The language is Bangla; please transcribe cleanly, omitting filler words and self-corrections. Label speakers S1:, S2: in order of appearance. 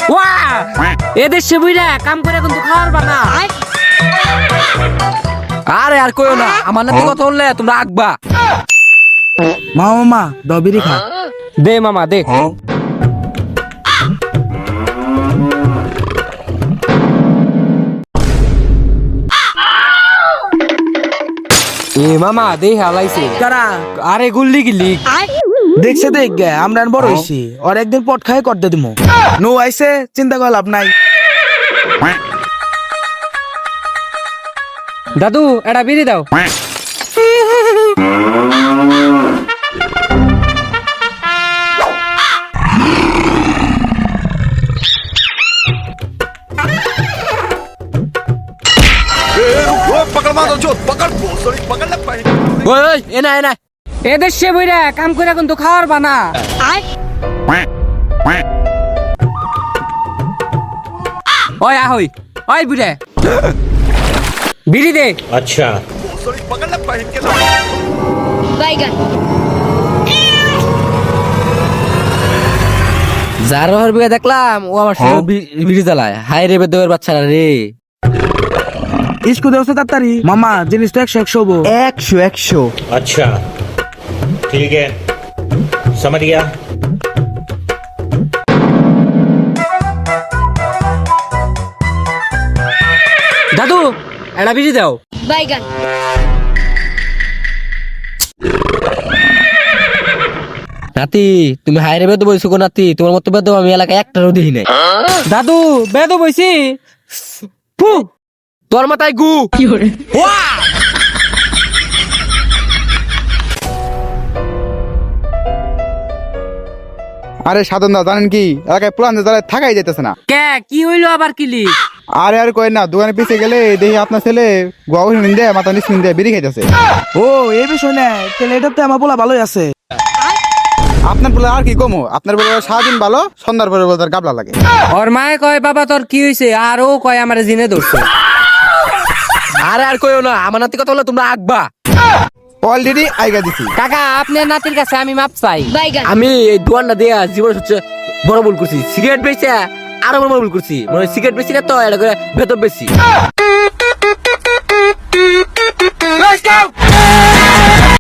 S1: ওয়া এদের সে বুইরা কাম করে কিন্তু খাওয়ার বানা।
S2: আরে আর কইও না, আমার নাতি কথা বললে তোমরা আঁকবা।
S3: মামা দবিরি খা।
S1: দে মামা দে। এ মামা দে হালাইছে।
S3: কারা
S1: আরে গুল্লি গিল্লি।
S3: দেখছে দেখ গে আমরা বড় হইছি, আর একদিন পট খাই করতে দিমু। নো আইছে চিন্তা করে লাভ নাই।
S1: দাদু এটা বিড়ি দাও।
S2: ওই ওই এনা এনা
S1: এদের সে বুইরা কাম করে কিন্তু খাওয়ার বানা। ওই আহই ওই বুড়ে বিড়ি দে।
S4: अच्छा
S5: बैगन
S2: যার হর বিয়ে দেখলাম ও আমার সঙ্গে বিড়ি জ্বালায়। হাই রে বেদবের বাচ্চারা রে।
S3: ইস্কু দেওছে তাড়াতাড়ি মামা, জিনিসটা 100 হবো।
S6: 100
S4: अच्छा ठीक है समझ गया
S1: দাদু এটা বিড়ি দাও।
S5: बैगन
S2: নাতি তুমি হাই রে বেদ বইছো গো নাতি, তোমার মতো বেদ আমি এলাকায় একটারও দেখি নাই।
S1: দাদু বেদ বইছি। ফু
S2: তোর মাথায় গু। ওয়া!
S6: আরে সাধন দা জানেন কি, এলাকায় পুরান যারা থাকাই যাইতেছে না।
S1: কে কি হইলো আবার কিলি?
S6: আরে আর কই না, দোকানে পিছে গেলে দেখি আপনার ছেলে গোয়া নিন্দে মাথা নিচ নিন্দে বিড়ি খাইতেছে।
S3: ও এই বিষয় না, তাহলে এটা তো আমার বলা ভালোই আছে।
S6: আপনার বলে আর কি কমো, আপনার বলে সারাদিন ভালো, সন্ধ্যার পরে বলে তার গাবলা লাগে।
S1: ওর মায়ে কয় বাবা তোর কি হইছে, আর ও কয় আমার জিনে ধরছে।
S2: আরে আর কইও না, আমার নাতি কথা বললে তোমরা আঁকবা।
S6: অলরেডি আইগা দিছি।
S1: কাকা আপনার নাতির কাছে আমি মাপ চাই।
S5: बैगन
S2: আমি এই দোকানটা দিয়া জীবনে সবচেয়ে বড় ভুল করছি। সিগারেট বেচে আরো বড় ভুল করছি। মানে সিগারেট বেশি না তো এটা করে ভেতর বেশি।